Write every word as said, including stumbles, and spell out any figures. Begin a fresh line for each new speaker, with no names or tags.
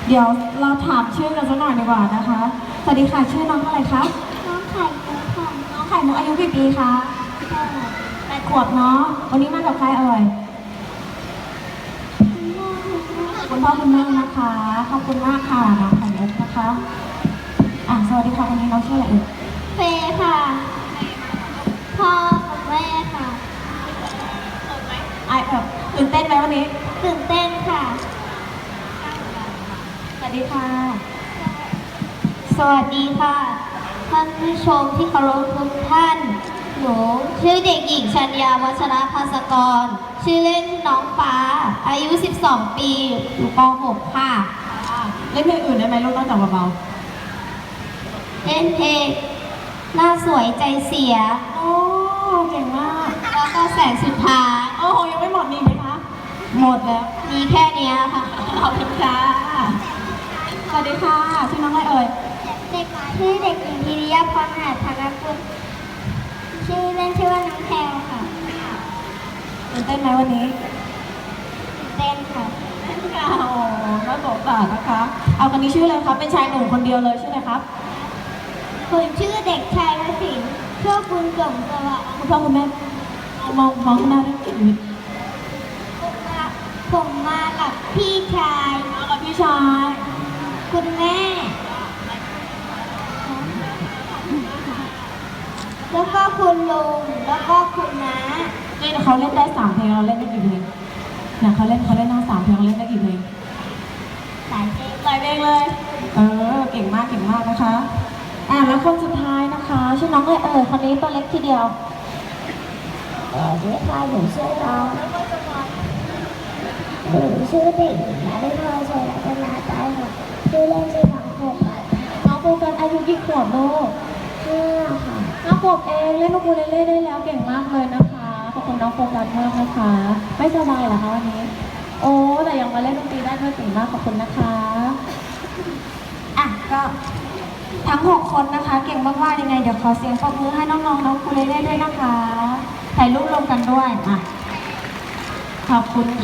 เดี๋ยวเราถามชื่อกันสักหน่อยดีกว่านะคะ สวัสดีค่ะ ชื่อน้องอะไรคะ
น้องไข่มุกค่ะ
น้องไข่มุกอายุกี่ปีคะแปดขวบเนาะ วันนี้มากับใครเอ่ยคุณพ่อคุณแม่นะคะ ขอบคุณมากค่ะน้องไข่มุกนะคะ อ่ะสวัสดีค่ะวันนี้น้องชื่ออะไรเอ่ย
เฟย์ค่ะ พ่อกับแม่ค่ะ
ไอแบบตื่นเต้นไหมวันนี้
ตื่นเต้นค่ะ
สวัสดีค่ะ
สวัสดีค่ะ ท่านผู้ชมที่เคารพทุกท่าน หนูชื่อเด็กหญิงชัญญาวัชรภาสกร ชื่อเล่นน้องฟ้า อายุ สิบสอง ปี อยู่ป หก ค่ะ
เล่นเพลงอื่นได้ไหมลูกนอกจากเบา
เล่นเพลงหน้าสวยใจเสีย
ๆโอ้เก่งมาก
แล้วก็แสงสุดท้าย
โอ้โหยังไม่หมดนี่ไหมคะ หมดแล้ว
มีแค่เนี้ยค่ะ
ขอบคุณค่ะ สวัสดีค่ะ ชื่อน้องอะไรเอ่ย
เด็กชื่อเด็กหญิงพิริยาพรหาธนกุลชื่อเล่นชื่อว่าน้องแพลวค่ะ
ตื่นเต้นไหมวันนี้
เต้นค่ะ
ค่ะโอ้น่าสงสารนะคะ เอาคนนี้ชื่ออะไรครับ เป็นชายหนุ่มคนเดียวเลยชื่ออะไรครับ
คุณชื่อเด็กชายวสินทร์ชื่อคุณสมสวัสดิ์
คุณพ่อคุณแม่มองมองข้างหน้าด้วยจิตวิทย์
ผมมากับพี่ชาย
มากับพี่ชาย
คุณแม่ แล้วก็คุณลุง แล้วก็คุณน้า
นี่เขาเล่นได้สามเพลงเราเล่นได้กี่เพลงเนี่ยเขาเล่นเขาเล่นทั้งสามเพลงเราเล่นได้กี่เพลง
สายเพลง
หลายเพลงเลย เออ เก่งมากเก่งมากนะคะ อ่าแล้วคนสุดท้ายนะคะชื่อน้องอะไรเอ่ยคนนี้ตัวเล็กทีเดียว
เออชื่อใครหนูชื่อน้องหนูชื่อเด็กหญิงนาได้พลอยชัยรัตนาใจค่ะชื่อเล่นชื่อน้องโฟกัส
น้องโฟกัสอายุกี่ขวบลูก
ห้าค่ะ
ห้าขวบเองเล่นลูกอูเลเล่ได้แล้วเก่งมากเลยนะคะขอบคุณน้องโฟกัสมากนะคะ ไม่สบายเหรอคะวันนี้ โอ้แต่ยังมาเล่นดนตรีได้ด้วยเก่งมากขอบคุณนะคะอ่ะก็ทั้งหกคนนะคะ เก่งมากๆยังไงเดี๋ยวขอเสียงปรบมือให้น้องๆน้องอูเลเล่ด้วยนะคะถ่ายรูปรวมกันด้วยอ่ะขอบคุณ